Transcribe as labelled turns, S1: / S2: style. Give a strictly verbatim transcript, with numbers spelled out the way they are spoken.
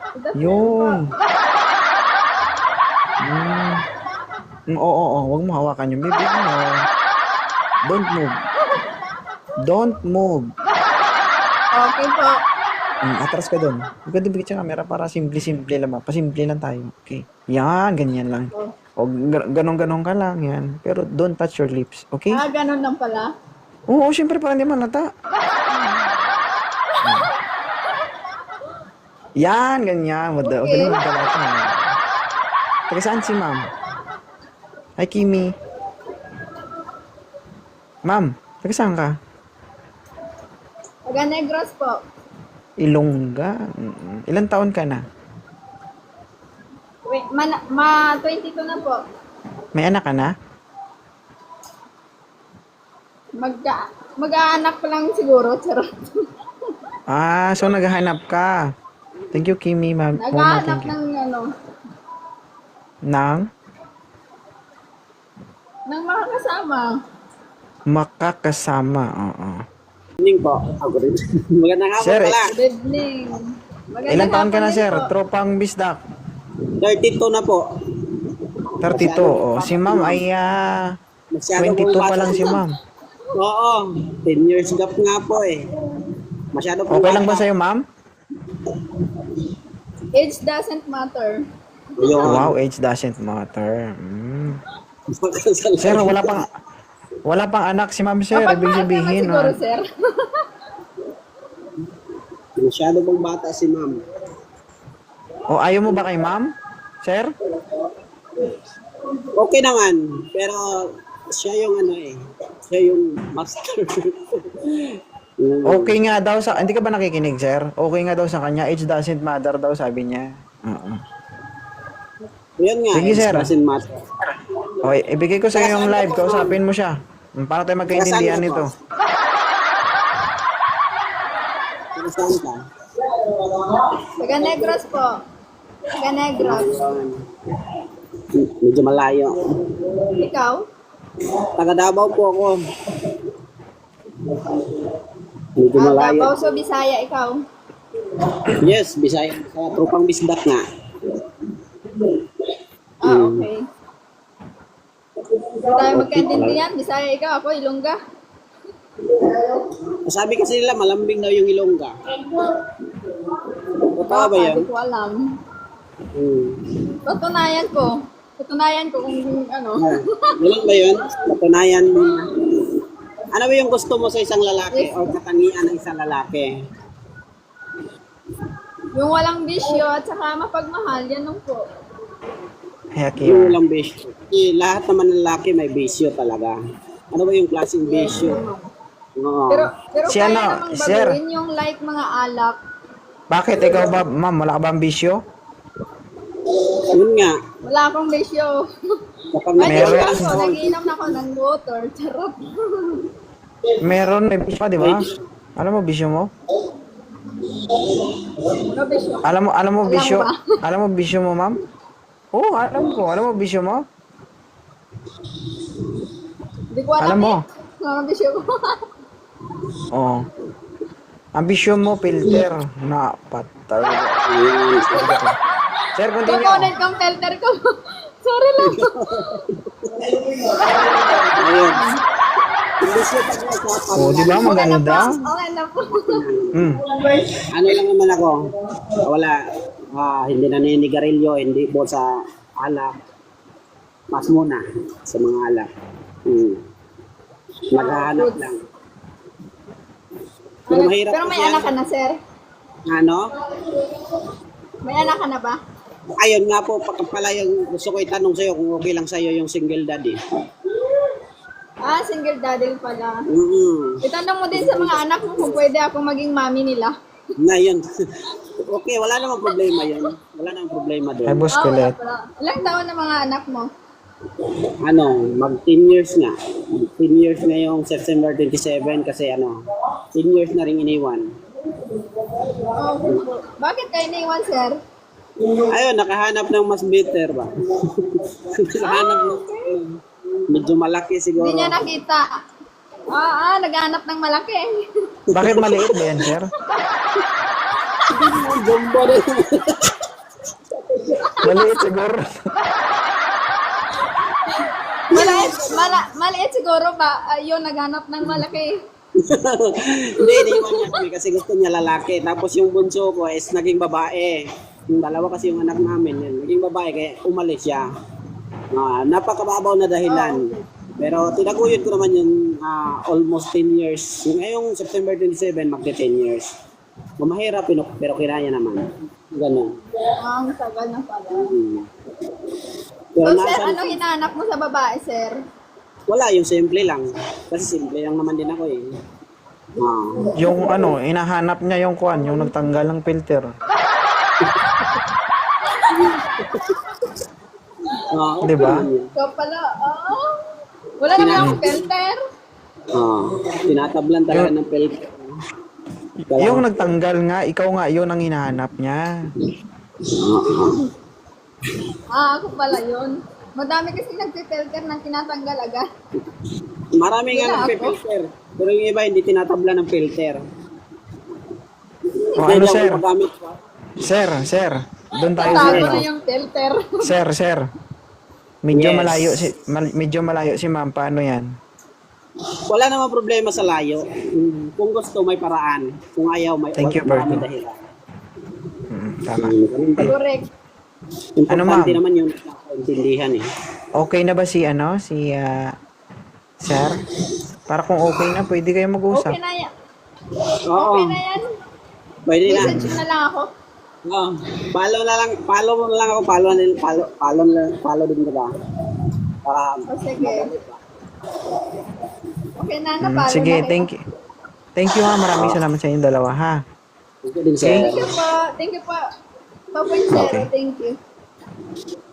S1: Yun. Mm. Mm, Oo, oo, oo. Huwag mo hawakan yung bibig mo. Don't move. Don't move.
S2: Okay po.
S1: Mm, atras ka doon. Huwag ka dibigit sa camera para simple-simple lang. Pasimple lang tayo. Okay. Yan, ganyan lang. O ganong-ganon ka lang yan. Pero don't touch your lips. Okay?
S2: Ah, ganun lang pala.
S1: Oo, syempre para hindi malata. Yan, ganyan. Wag okay.
S2: Okay.
S1: Ganun magdalata. Taga saan si ma'am? Hi, Kimi. Ma'am, taga saan ka?
S2: Taga Negros po.
S1: Ilongga. Mm, Ilan taon ka na?
S2: Wait, ma, ma twenty-two na po.
S1: May anak ka na?
S2: Magka, mag-aanak pa lang siguro. Charot.
S1: Ah, so naghahanap ka. Thank you, Kimi, ma'am. Mama,
S2: Nag-aanak
S1: thank you.
S2: ng ano,
S1: Nang
S2: ng mga kasama.
S1: makakasama. Oo.
S3: Evening po. Ako rin. Magandang hapon
S1: Sir,
S3: pala.
S2: Good evening. Magandang
S1: Ilan taon ka
S2: hapon
S1: na,
S2: din
S1: sir?
S2: po.
S1: Tropang bisdak.
S3: thirty-two na po.
S1: thirty-two. Oh, si ma'am ay ah,
S3: Masyado
S1: twenty-two
S3: pong
S1: pa
S3: bata.
S1: lang si ma'am.
S3: Oo. ten years gap nga po eh. Masyado pong
S1: Okay lang ba
S3: bata.
S1: sa'yo, ma'am?
S2: Age doesn't matter.
S3: Yun.
S1: Wow, age doesn't matter. Mm.
S3: Makasal.
S1: Sir, wala pang wala pang anak si ma'am, sir. Ibig
S2: Kapag mahal naman
S1: sabihin,
S2: siguro,
S1: ah,
S2: sir.
S3: Masyado pong bata si ma'am.
S1: o ayaw mo ba kay ma'am? Sir?
S3: Okay naman. Pero siya yung ano eh. Siya yung master. Yung-
S1: Okay nga daw sa... Hindi ka ba nakikinig, sir? Okay nga daw sa kanya. Age doesn't matter daw, sabi niya. Oo.
S3: Yun nga.
S1: Sige,
S3: it
S1: sir.
S3: doesn't matter.
S1: Okay, ibigay ko sa iyo yung live. Kausapin mo siya. Para tayo magkaintindihan
S3: Taga saan ka
S1: nito.
S3: Taga saan ka?
S2: Taga Negros po. Taga Negros.
S3: Yun. Medyo malayo.
S2: Ikaw?
S3: Taga Davao po ako. Medyo
S2: Ah,
S3: malayo.
S2: Davao, so Bisaya, ikaw?
S3: Yes, Bisaya. Sa tropang bisdak nga.
S2: Ah,
S3: Hmm.
S2: okay. Hindi tayo magkaintindihan. Bisaya, ikaw. Ako, Ilongga.
S3: Sabi kasi nila, malambing daw yung Ilongga. Totoo ba yan?
S2: Hindi ko alam.
S3: Hmm.
S2: Patunayan ko. Patunayan ko kung ano.
S3: Ah, Ganun ba yun? Patunayan mo na. Ano ba yung gusto mo sa isang lalaki o katangian ng isang lalaki?
S2: Yung walang bisyo at saka mapagmahal, yan lang po.
S1: Heck
S3: Yung
S1: yeah.
S3: walang bisyo. Eh, lahat naman ng lalaki may bisyo talaga. Ano ba yung klaseng bisyo? Oo.
S2: Pero, pero
S1: Si
S2: kaya
S1: ano,
S2: namang
S1: sir?
S2: baguhin yung like mga alak.
S1: Bakit? Ikaw ba, ma'am? Wala ka ba ambisyo?
S3: Yun nga.
S2: Wala akong bisyo.
S3: Kapag
S2: Ay,
S1: Meron.
S2: meron. Ako, nagiinom na ako ng water. Charot.
S1: Meron, may bisyo pa, di ba? Alam mo, bisyo mo?
S2: Ano bisyo?
S1: Alam mo, alam mo,
S2: Alam
S1: bisyo?
S2: mo ba?
S1: Alam mo, bisyo mo, ma'am? Oo, alam ko. Alam mo, bisyo mo?
S2: Hindi ko alam.
S1: Alam mo.
S2: Eh. Ano bisyo ko?
S1: Oo. Ang bisyo mo, filter. Na, patay. Sir, continue.
S2: Kukunin kong filter ko. Sorry lang.
S3: Ayun. Yung bisyo pag usapan,
S1: Oo, di ba? Maganda.
S2: Okay na po.
S1: Hmm.
S3: ano lang naman ako, wala, ah, hindi naninigarilyo, hindi po sa alak. Mas muna sa mga alak. Hmm. Maghahanap lang. Pero mahirap
S2: Pero may
S3: kasi
S2: anak ka
S3: yan.
S2: na, sir?
S3: Ano?
S2: May anak ka na ba?
S3: Ayun nga po, pa- pala yung gusto ko itanong sa'yo kung okay lang sa'yo yung single daddy.
S2: Ah, single daddy pala.
S3: Mm-hmm.
S2: Itanong mo din sa mga anak mo kung pwede ako maging mami nila.
S3: Na yun. Okay, wala namang problema yun. Wala namang problema
S1: Ay,
S3: doon.
S1: boss,
S2: Ah, wala
S1: kulit.
S2: pala. Ilang taon na mga anak mo?
S3: Ano, mag ten years nga. ten years na yung September twenty-seven kasi ano, ten years na rin iniwan.
S2: Oh, bakit kayo naiwan, sir?
S3: Ayun, nakahanap ng mas better ba? nakahanap ng medyo malaki siguro.
S2: Hindi niya nakita. Ah, ah, naghanap ng malaki.
S1: Bakit maliit ba yan, sir?
S3: Jumbo din.
S1: Maliit siguro.
S2: Maliit, mala, maliit siguro ba? Ayun, naghanap ng malaki.
S3: Hindi, iniwan niya kami kasi gusto niya lalaki. Tapos yung bunso ko is naging babae. Yung dalawa kasi yung anak namin, yun, naging babae kaya umalis siya. Ah, napakababaw na dahilan. Pero tinaguyod ko naman yung ah, almost ten years. Yung ngayong September twenty-seven, magti ten years. Mamahirap, pero, pero kinaya naman. Ganun.
S2: Ah, ang tagal na pala.
S3: Hmm.
S2: So,
S3: Pero
S2: sir,
S3: nasa,
S2: ano hinahanap mo sa babae, sir?
S3: wala, yung simple lang. Kasi simple lang naman din ako eh. Ah.
S1: Yung ano, hinahanap niya yung kuan, yung nagtanggal ng filter.
S3: Ah, okay
S1: Di ba?
S3: lang yun.
S2: So pala, oh, wala naman akong filter.
S3: Ah, tinatablan talaga ng filter. Kaya-
S1: Yung nagtanggal nga, ikaw nga yun ang hinahanap niya.
S2: Ah, ako pala yun. Madami kasi nagsi-filter na tinatanggal agad.
S3: Marami nga
S2: Wala ako.
S3: nagpe-filter. Pero yung iba hindi tinatabla ng filter.
S1: O
S3: Hindi
S1: ano
S3: daw
S1: sir?
S3: gumagamit.
S1: Sir, sir. Doon tayo sa
S2: Tago
S1: ano.
S2: na yung filter.
S1: Sir, sir. Medyo
S3: Yes.
S1: malayo si mal- medyo malayo si ma'am. Paano 'yan?
S3: Wala namang problema sa layo. Mm, Kung gusto may paraan. Kung ayaw may
S1: Thank you,
S3: marami
S1: Berto.
S3: dahilan.
S1: Mm, tama.
S3: Mm, ganun din.
S2: Correct.
S3: Importante
S1: Ano, ma'am?
S3: naman yung nakaintindihan eh.
S1: Okay na ba si ano, si ah, sir? Para kung okay na, pwede kayo mag-usap.
S2: Okay na yan.
S3: Oo,
S2: Okay na yan.
S3: pwede na.
S2: Message mo na lang ako.
S3: Oo. Follow na lang, follow mo na lang ako, follow na follow, follow, na- follow din kita. Para
S2: O sige. Okay na,
S1: Mm,
S2: napalo
S1: sige,
S2: na kayo.
S1: thank you. Thank you ha. Maraming salamat sa inyong dalawa ha.
S3: Thank you din, sir.
S2: Thank you po. Thank you po. two point zero.
S1: Okay.
S2: Thank you.